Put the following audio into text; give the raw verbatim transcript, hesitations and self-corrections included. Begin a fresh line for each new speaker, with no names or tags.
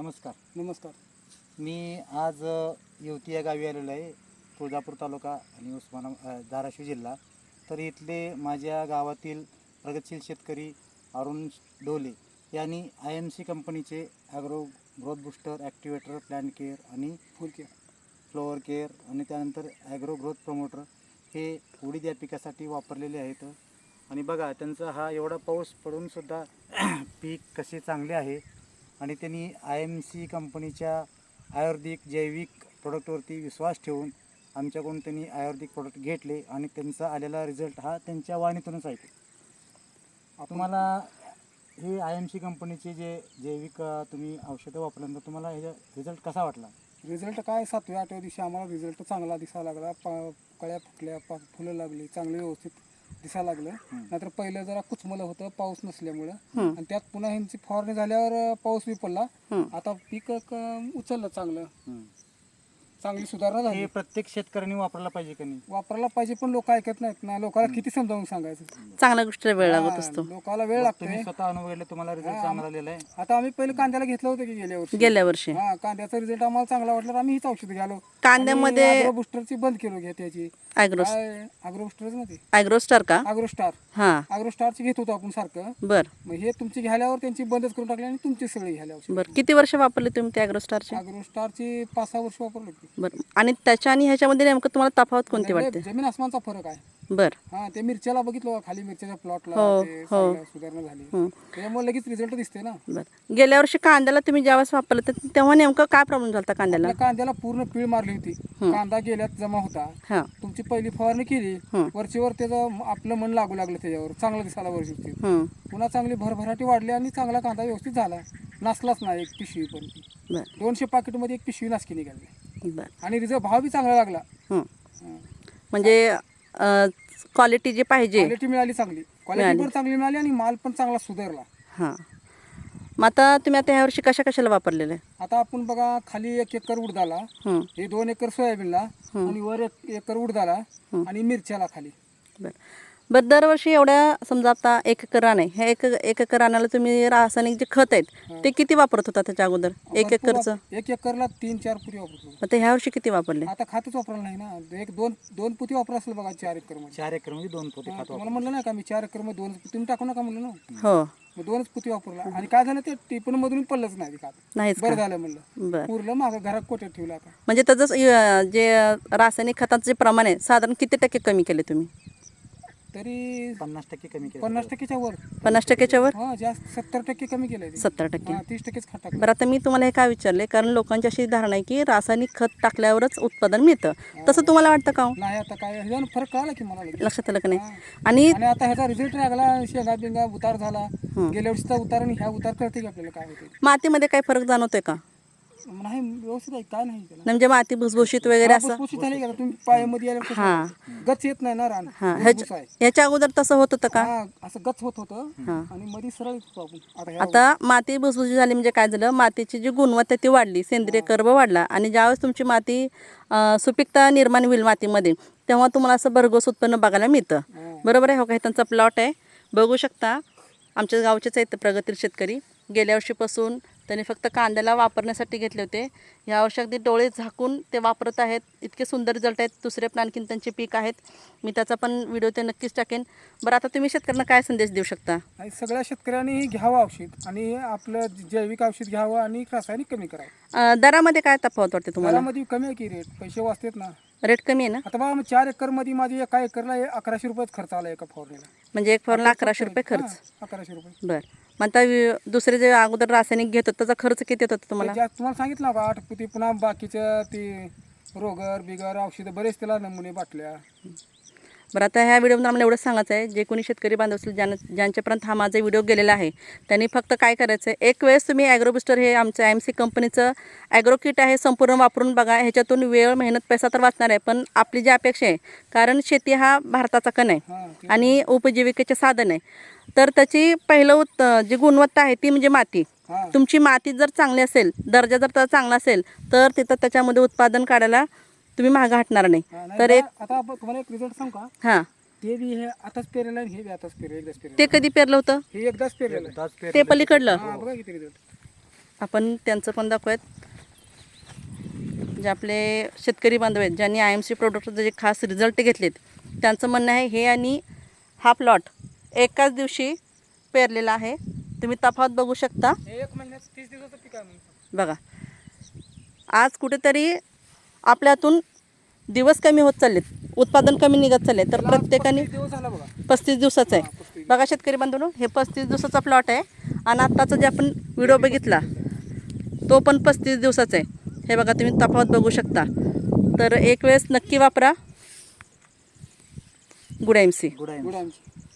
नमस्कार.
नमस्कार.
मी आज अ, येवती या गावी आलेलो आहे, तुळजापूर तालुका आणि उस्माना अ, धाराशिव जिल्हा. तर इथले माझ्या गावातील प्रगतशील शेतकरी अरुण डोले यांनी आय एम सी कंपनीचे agro growth booster, activator, plant care आणि
फुल केअर,
फ्लॉवर केअर आणि त्यानंतर ॲग्रो ग्रोथ प्रमोटर हे उडीद या पिकासाठी वापरलेले आहेत. आणि बघा त्यांचा हा एवढा पाऊस पडूनसुद्धा पीक कसे चांगले आहे. आणि त्यांनी आय एम सी कंपनीच्या आयुर्वेदिक जैविक प्रोडक्टवरती विश्वास ठेवून आमच्याकडून त्यांनी आयुर्वेदिक प्रोडक्ट घेतले आणि त्यांचा आलेला रिझल्ट हा त्यांच्या वाणीतूनच आहे. तुम्हाला हे आय एम सी कंपनीचे जे जैविक अ, तुम्ही औषधं वापरल्यानंतर तुम्हाला ह्याचा रिझल्ट कसा वाटला?
रिझल्ट काय सातव्या आठव्या दिवशी आम्हाला रिझल्ट चांगला दिसायला लागला. पा कळ्या फुटल्या, पा फुलं लागली, चांगलं व्यवस्थित दिसायला लागलं. नाहीतर पहिलं जरा कुचमलं होतं पाऊस नसल्यामुळं, आणि त्यात पुन्हा ह्यांची फवारणी झाल्यावर अ, पाऊस बी पडला. आता पीक क- उचललं चांगलं, चांगली सुधारणा झाली.
हे प्रत्येक शेतकऱ्यांनी वापरायला पाहिजे का नाही?
वापरायला पाहिजे, पण लोक ऐकत नाहीत ना. लोकांना किती समजावून सांगायचं?
चांगल्या गोष्टीला वेळ लागत असतो.
हा, लोकाला वेळ
तुम्ही
लागतोय.
स्वतः अनुभव घेतला, तुम्हाला रिझल्ट चांगला आलेला आहे.
आता आम्ही पहिले कांद्याला घेतलं होतं की गेल्या वर्षी.
गेल्या वर्षी
हा, कांद्याचा रिझल्ट आम्हाला चांगला वाटला तर आम्ही हीच औषध घ्यालो.
कांद्यामध्ये
अग्रो बुस्टरची बंद केलो घ्या त्याची.
ॲग्रो
काय अग्रो बुस्टरच ना ते
ॲग्रोस्टार का?
Agro Star.
हां
अग्रो स्टारची घेत होतो आपण सारखं.
बर
मग हे तुमची घ्याल्यावर त्यांची बंदच करून टाकली आणि तुमची सगळी घ्यायला औषध.
बर किती वर्ष वापरले तुम्ही ते ॲग्रोस्टारचे?
अग्रो स्टारची पाच सहा वर्ष वापरलो की.
बरं. आणि त्याच्या आणि ह्याच्यामध्ये नेमकं तुम्हाला तफावत कोणती
लय
वाटते?
जमीन आसमानचा फरक आहे.
बर
हा, ते मिरच्याला बघितलं का, खाली मिरच्याच्या प्लॉटला
हो,
ते
हो.
चांगलं सुधारणा झाली. त्यामुळे लगेच रिझल्ट दिसते ना.
बर गेल्या वर्षी कांद्याला तुम्ही ज्यावेळेस वापरलं तर तेव्हा नेमकं काय प्रॉब्लेम झाला होता कांद्याला?
आपल्या कांद्याला पूर्ण पीळ मारली होती. कांदा गेल्यात जमा होता.
हां
तुमची पहिली फवारणी केली,
हं.
वरचीवर त्याचं आपलं मन लागू लागलं त्याच्यावर, चांगलं दिसायला वरची.
हं.
पुन्हा चांगली भरभराटी वाढली आणि चांगला कांदा व्यवस्थित झाला. नासलाच नाही एक पिशवी पण.
बर
दोनशे पाकिटमध्ये एक पिशवी नासकी निघाली.
बर
आणि रिझल्ट भाव बी चांगला लागला.
हं. म्हणजे क्वालिटी जी पाहिजे.
क्वालिटी मिळाली चांगली, क्वालिटी पण चांगली मिळाली आणि माल पण चांगला सुधारला.
हां मग आता तुम्ही आता ह्या वर्षी कशा कशाला वापरलेलं आहे?
आता आपण बघा, खाली एक एकर उडदाला,
हं.
हे दोन एकर सोयाबीनला, आणि वर एक एकर उडदाला आणि मिरच्याला खाली.
बरं बरं दरवर्षी एवढ्या समजा आता एक एकर रान आहे, ह्या एक एक एकर रानाला तुम्ही रासायनिक जे खत आहेत ते किती वापरत होता त्याच्या अगोदर? एक
भरपूर
एकरचं
वाप- एक एकरला तीन चार पुती वापरतो.
आता ह्या वर्षी किती वापरले?
आता खातच वापरायला नाही ना. एक दोन दोन पुती वापरा असेल बघा चार एकर मध्ये.
चार एकर मध्ये दोन पोते खात
तुम्हाला म्हणलं नाही का मी चार एकर मध्ये दोन, तुम्ही टाकू नका म्हणलं ना.
हो
मग दोनच पुती वापरला आणि काय झालं, ते टिपण मधून पडलंच नाही ते खात.
नाहीच
बरं
का?
झालं म्हणलं,
बरं
पुरलं मागं घरात कोट्यात ठेवलं. आता
म्हणजे त्याचं अं, जे रासायनिक खताचं जे प्रमाण आहे साधारण किती टक्के कमी केले तुम्ही?
तरी
पन्नास टक्के कमी केलं.
पन्नास टक्केच्या वर.
पन्नास टक्क्याच्या वर?
हा, जास्त सत्तर टक्के कमी केलंय ते.
सत्तर टक्के.
हा, तीस टक्केच खात टाकलं.
बरं आता मी तुम्हाला हे काय विचारले कारण लोकांची अशी धारणा आहे की रासायनिक खत टाकल्यावरच उत्पादन मिळतं, तसं तुम्हाला वाटतं का हो?
नाही, आता काय ह्याच्यानं फरक कळाला की मला लगेच.
लक्षात आलं का नाही?
हा.
आणि
आणि आता ह्याचा रिझल्ट लागला, शेंगा बिंगा उतार झाला. गेल्या वर्षीचा उतार आणि ह्या उतार कळते की आपल्याला काय होते.
मातीमध्ये काही फरक जाणवतोय का?
नाही, व्यवस्थित आहे, काय नाही त्याला.
म्हणजे माती भुसभुशीत वगैरे असं?
भुसभुशीत झाली का तुम्ही पायामध्ये आल्यावर कसं
हां.
होतं? गच येत नाही ना रान.
हां
भुसभुस
ह्याच्या
आहे.
ह्याच्या अगोदर तसं होत होतं का?
हा, असं गच होत होतं
हां.
आणि मध्ये सरळ येत होतो आपण. आता ह्या
आता माती भुसभुशीत झाली म्हणजे काय झालं, मातीची जी गुणवत्ता ती वाढली, सेंद्रिय कर्ब वाढला आणि ज्यावेळेस तुमची माती अं, सुपीकता निर्माण होईल मातीमध्ये तेव्हा तुम्हाला असं भरघोस उत्पन्न बघायला मिळतं.
हां.
बरोबर आहे हो? काही त्यांचा प्लॉट आहे बघू शकता, आमच्या गावचेच आहेत प्रगतील शेतकरी. गेल्या वर्षीपासून त्यांनी फक्त कांद्याला वापरण्यासाठी घेतले होते, या वर्षी अगदी डोळे झाकून ते वापरत आहेत. इतके सुंदर रिझल्ट आहेत. दुसरे पण आणखीन त्यांचे पीक आहेत, मी त्याचा पण व्हिडिओ ते नक्कीच टाकेन. बरं आता तुम्ही शेतकऱ्यांना काय संदेश देऊ शकता?
आणि सगळ्या शेतकऱ्यांनी घ्यावं औषध आणि आपलं जैविक औषध घ्यावं आणि रासायनिक कमी करावं.
अं, दरामध्ये काय तफावत वाटते तुम्हाला?
घरामध्ये कमी आहे की रेट, पैसे वाचतात ना.
रेट कमी आहे ना?
आता बघा, मग चार एकर मध्ये माझी एका एकरला अकराशे रुपयाच खर्च आला एका फवारणीला.
म्हणजे एक फवारला अकराशे रुपये खर्च.
हां, अकराशे रुपये.
बरं मग आता वि- दुसरे जे अगोदर रासायनिक घेत होते त्याचा खर्च किती येत होता तुम्हाला?
ते ज्या- तुम्हाला सांगितलं का आठ पुती, पुन्हा बाकीचं ते रोगर बिगर औषधं बरेच त्याला नमुने बाटल्या.
बरं आता ह्या व्हिडिओमध्ये आम्हाला एवढंच सांगायचं आहे, जे कोणी शेतकरी बांधव असतील ज्यां ज्यांच्यापर्यंत हा माझा व्हिडिओ गेलेला आहे त्यांनी फक्त काय करायचं आहे, एक वेळेस तुम्ही ॲग्रो बुस्टर हे आमचं आय एम सी कंपनीचं ॲग्रो किट आहे संपूर्ण वापरून बघा. ह्याच्यातून वेळ मेहनत पैसा तर वाचणार आहे, पण आपली जी अपेक्षा आहे, कारण शेती हा भारताचा कण आहे
हां, ते-
आणि उपजीविकेचे साधन आहे, तर त्याची पहिलं उत् जी गुणवत्ता आहे ती म्हणजे माती.
हां.
तुमची माती जर चांगली असेल, दर्जा जर त्याचा चांगला असेल तर तिथं त्याच्यामध्ये उत्पादन काढायला तुम्ही मागं हटणार नाही.
हां, नाही
तर
बा,
एक
आता आपण तुम्हाला एक रिझल्ट सांगू का?
हां
ते बी हे आताच पेरेलं आणि हे बी आताच पेरेल, एकदाच पेरेल.
ते कधी पेरलं होतं?
हे एकदाच पेरेल.
एकदाच पेरलं.
ते पलीकडलं
हां, बघा किती रिझल्ट.
आपण त्यांचं पण दाखवूयात. जे आपले शेतकरी बांधव आहेत ज्यांनी आय एम सी प्रोडक्टचे जे खास रिझल्ट घेतलेत, त्यांचं म्हणणं आहे हे आणि हा प्लॉट एकाच दिवशी पेरलेला आहे. तुम्ही तफावत बघू शकता.
हे एक महिन्यात तीस दिवसाचं पीक आहे म्हणून.
बघा, आज कुठेतरी आपल्यातून दिवस कमी होत चाललेत, उत्पादन कमी निघत चालले, तर प्रत्येकाने
पस्तीस दिवस झाला बघा.
पस्तीस दिवसाचं
हा,
आहे.
पस्तीस.
बघा शेतकरी बांधवांनो, हे पस्तीस दिवसाचा प्लॉट आहे आणि आत्ताचा जे आपण व्हिडिओ बघितला तो पण पस्तीस दिवसाचा आहे. हे बघा, तुम्ही तफावत बघू शकता. तर एक वेळेस नक्की वापरा गुड एम सी.
गुड आहे.
गुड आहे.